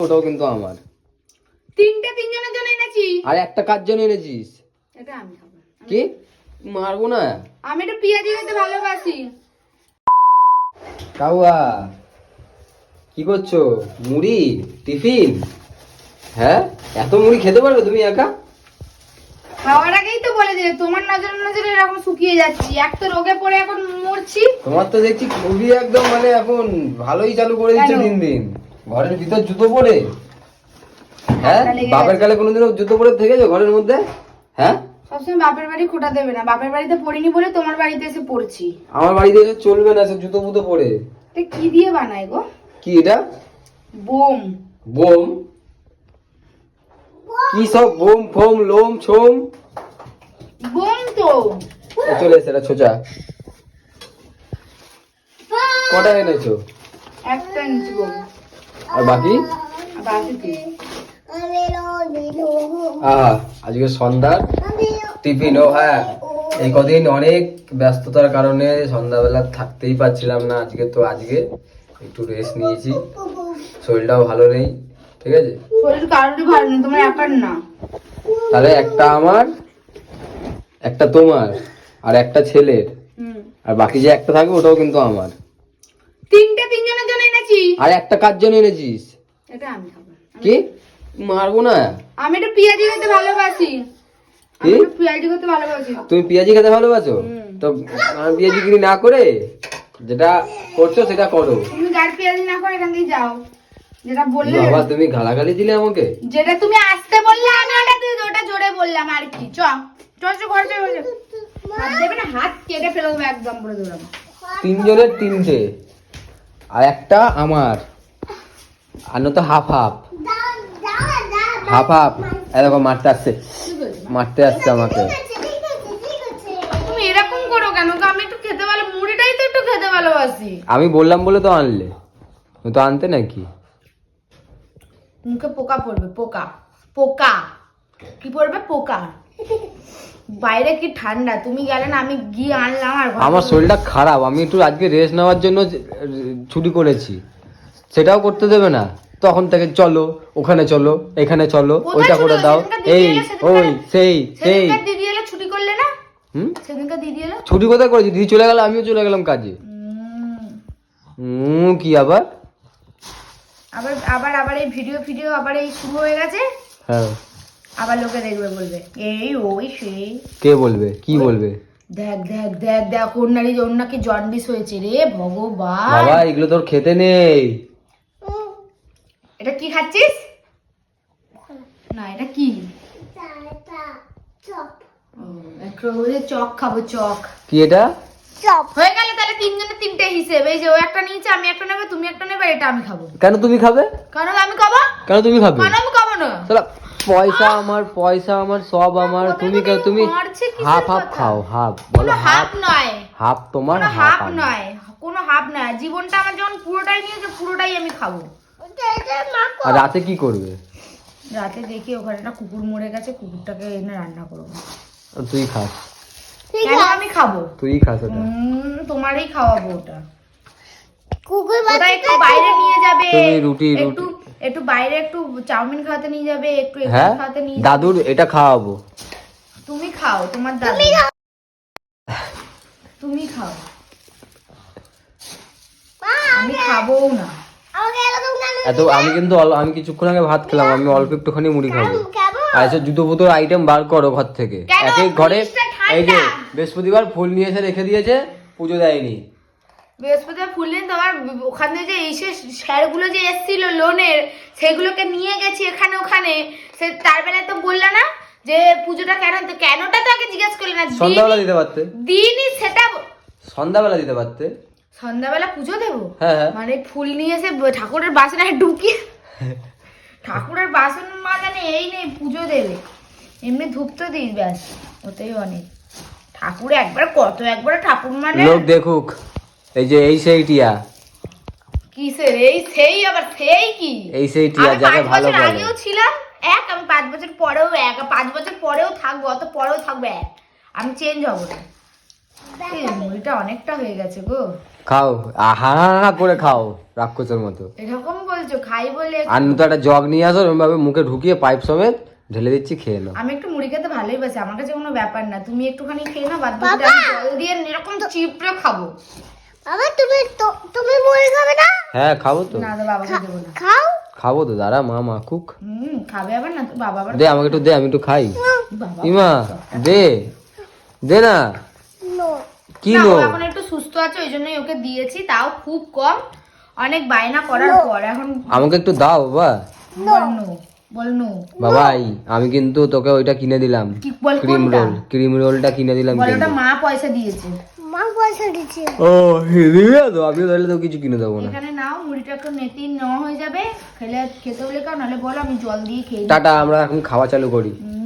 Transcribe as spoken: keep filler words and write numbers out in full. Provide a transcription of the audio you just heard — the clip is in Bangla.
ওটাও কিন্তু আমার। তিনটে তিনজনের জন্য এনেছি। আর একটা কার জন্য এনেছিস? এটা আমি খাবো। কি মারবো না? আমি একটু পেঁয়াজি খেতে ভালোবাসি। কাউয়া কি করছো? মুড়ি টিফিন? হ্যাঁ, এত মুড়ি খেতে পারবে তুমি একা? খাওয়ার আগেই তো বলে দিলে তোমার নজরে নজরে এরকম শুকিয়ে যাচ্ছি। এক তো রোগে পড়ে এখন মরছি। তোমার তো দেখছি খুবই একদম মানে এখন ভালোই চালু করে দিচ্ছে দিন দিন। ঘরের ভিতর জুতো পরে? হ্যাঁ, বাপের কালে কোনোদিনও জুতো পরে থেকেছো ঘরের মধ্যে? হ্যাঁ, সবসময় বাপের বাড়ি খোটা দেবে না। বাপের বাড়িতে পড়িনি বলে তোমার বাড়িতে এসে পড়ছি। আমার বাড়িতে এসে চলবে না সে জুতো ফুতো পরে। এটা কি দিয়ে বানায় গো? কি এটা? বোম। বোম? কি সব বোম ফোম লোম ছোম? বোম তো। চলে এসে এটা ছোচা। কটা এনেছো? একটা ইঞ্চি বোম। আর বাকি? বাকি কি? আহা, আজকে সন্ধ্যা টিফিন। ও হ্যাঁ, এই কদিন অনেক ব্যস্ততার কারণে সন্ধ্যাবেলা থাকতেই পারছিলাম না। আজকে তো আজকে একটু রেস্ট নিয়েছি, শরীরটাও ভালো নেই। ঠিক আছে, শরীর কারোরই ভালো নেই, তোমার একার না। তাহলে একটা আমার, একটা তোমার, আর একটা ছেলের, আর বাকি যে একটা থাকবে ওটাও কিন্তু আমার। তিনটে তিনজনের জন্য এনেছি। আর একটা কার জন্য এনেছিস? এটা আমি খাবো। কি মারবো না? আমি একটু পেঁয়াজি খেতে ভালোবাসি। আমি একটু পেঁয়াজি খেতে ভালোবাসি। তুমি পেঁয়াজি খেতে ভালোবাসো? তো আমি পেঁয়াজি কিনি না করে যেটা করছো সেটা করো। তুমি গাড়ি পেঁয়াজি না করে এখান থেকে যাও। যেটা বললে বাবা, তুমি গালাগালি দিলে আমাকে। যেটা তুমি আসতে বললে আমি ওটা তুই ওটা জোরে বললাম আর কি। চ চ চ ঘরে চলে যাও। হাত দেবে না, হাত কেটে ফেলে দেবো একদম বলে দিলাম। তিনজনের তিনটে, আর একটা আমার, আর নয়তো হাফ হাফ হাফ হাফ। এরকম মারতে আসছে, মারতে আসছে আমাকে। তুমি এরকম করো কেন? আমি একটু খেতে ভালো, মুড়িটাই তো একটু খেতে ভালোবাসি। আমি বললাম বলে তো আনলে, তো আনতে নাকি? মুখে পোকা পড়বে। পোকা পোকা কি পড়বে? পোকা। বাইরে কি ঠান্ডা, তুমি গেলে না, আমি গিয়ে আনলাম। আর আমার শরীরটা খারাপ, আমি একটু আজকে রেস্ট নেওয়ার জন্য ছুটি করেছি, সেটাও করতে দেবে না। তখন থেকে চলো ওখানে চলো এখানে চলো, ওইটা করে দাও, এই ওই সেই সেই। দিদি এলে ছুটি করলে না? হুম, সেদিনকার দিদি এলো। ছুটি কোথায় করেছি? দিদি চলে গেল, আমিও চলে গেলাম কাজে। হুম, কি আবার আবার আবার আবার এই ভিডিও ভিডিও আবার এই শুরু হয়ে গেছে। হ্যাঁ, আবার লোকে দেখবে, বলবে এই ওই সেই। কে বলবে? কি বলবে? দেখ দেখ দেখ দেখ ওর নাকি ওর নাকি জন্ডিস হয়েছে রে ভগবান। বাবা, এগুলো তোর খেতে নেই। এটা কি খাচ্ছিস? না, এটা কি? চক খাবো, চক। কি এটা? হয়ে গেল তাহলে তিনজনের তিনটে হিসেবে। এই যে ও একটা নিয়েছে, আমি একটা নেবে, তুমি একটা নেবে, এটা আমি খাবো। কেন তুমি খাবে? কারণ আমি খাবো। কেন তুমি খাবে? কারণ আমি খাবো না। শালা, পয়সা আমার, পয়সা আমার, সব আমার। তুমি কেন? তুমি হাফ হাফ খাও। হাফ বলো? হাফ নয়, হাফ তোমার, হাফ নয়, কোনো হাফ নয়। জীবনটা আমার যখন পুরোটাই নিয়েছে, পুরোটাই আমি খাবো। আর রাতে কি করবে? রাতে দেখি ওখানে একটা কুকুর মরে গেছে, কুকুরটাকে এনে রান্না করবো। তুই খাস? কেন আমি খাবো? তুই খাস ওটা? হুম, তোমারই খাওয়াবো ওটা। ওটা একটু বাইরে নিয়ে যাবে, তুমি রুটি একটু একটু বাইরে একটু চাউমিন খাওয়াতে নিয়ে যাবে, একটু এগুলো হ্যাঁ, খাওয়াতে নিয়ে দাদুর এটা খাওয়াবো। তুমি খাও, তোমার দাদু। তুমি খাও, আমি খাবো না। এত আমি কিন্তু অল- আমি কিছুক্ষণ আগে ভাত খেলাম, আমি অল্প একটুখানি মুড়ি খাবো। আর এসব জুতো ফুতোর আইটেম বার করো ঘর থেকে। এক এক ঘরে এই যে বৃহস্পতিবার ফুল নিয়ে এসে রেখে দিয়েছে, পুজো দেয়নি। বৃহস্পতিবার ফুল নিয়ে তোমার ওখানে যে এসে স্যারগুলো যে এসেছিল লোনের, সেগুলোকে নিয়ে গেছি এখানে ওখানে। সে তার বেলায় তো বললা না যে পুজোটা কেন, তো কেনটা তো আগে জিজ্ঞেস করলে না। সন্ধ্যাবেলা দিতে পারতে। দিনই সেটা সন্ধ্যাবেলা দিতে পারতে। সন্ধ্যাবেলা পুজো দেবো? হ্যাঁ হ্যাঁ, মানে ফুল নিয়ে এসে ঠাকুরের বাসনে ঢুকিয়ে ঠাকুরের বাসন মানে এই নেই পুজো দেবে, এমনি ধূপ তো দিস, ব্যাস ওতেই অনেক। ঠাকুর একবার কত একবার ঠাকুর মানে লোক দেখুক, এই যে এই সেই টিয়া। কিসের এই সেই? আবার সেই কি? এই সেই টিয়া যাকে ভালো বলে। আগেও ছিলাম এক, আমি পাঁচ বছর পরেও এক, পাঁচ বছর পরেও থাকবো, অত পরেও থাকবো এক। আমি চেঞ্জ হবো না। এই মুড়িটা অনেকটা হয়ে গেছে গো। খাও, আহা করে খাও রাক্ষসের মতো। এরকম বলছো, খাই বলে। আর তো একটা জগ নিয়ে আসো, এরকম ভাবে মুখে ঢুকিয়ে পাইপ সমেত ঢেলে দিচ্ছি, খেয়ে নাও। আমি একটু মুড়ি খেতে ভালোই বাসি, আমার কাছে কোনো ব্যাপার না। তুমি একটুখানি খেয়ে নাও, বাদ বাকিটা আমি জল দিয়ে এরকম চিপড়ে খাবো। বাবা তুমি তো- তুমি মুড়ি খাবে না? হ্যাঁ খাবো তো, না তো বাবাকে দেবো না। খাও। খাবো তো, দাঁড়া মা মাখুক। হুম, খাবে আবার না তো, বাবা আবার দে আমাকে একটু দে, আমি একটু খাই। বাবা ইমা দে, দে না। নো। কি না, নো? ও এখন একটু সুস্থ আছে, ওই জন্যই ওকে দিয়েছি, তাও খুব কম। অনেক বায়না করার পর এখন আমাকে একটু দাও বাবা। বলনু বলনু বাবাই আমি কিন্তু তোকে ওইটা কিনে দিলাম, কি বল, ক্রিম কোনটা? রোল, ক্রিম রোলটা কিনে দিলাম বলে কিন্তু। ওটা মা পয়সা দিয়েছে। মা পয়সা দিচ্ছে। ও দিবি তো, আমি তাহলে তো কিছু কিনে দেবো না। এখানে নাও, মুড়িটা একটু নেতি নেওয়া হয়ে যাবে, খেলে খেতে হলে কাও, নাহলে বলো আমি জল দিয়ে খেয়ে নিই। টাটা, আমরা এখন খাওয়া চালু করি। হুম,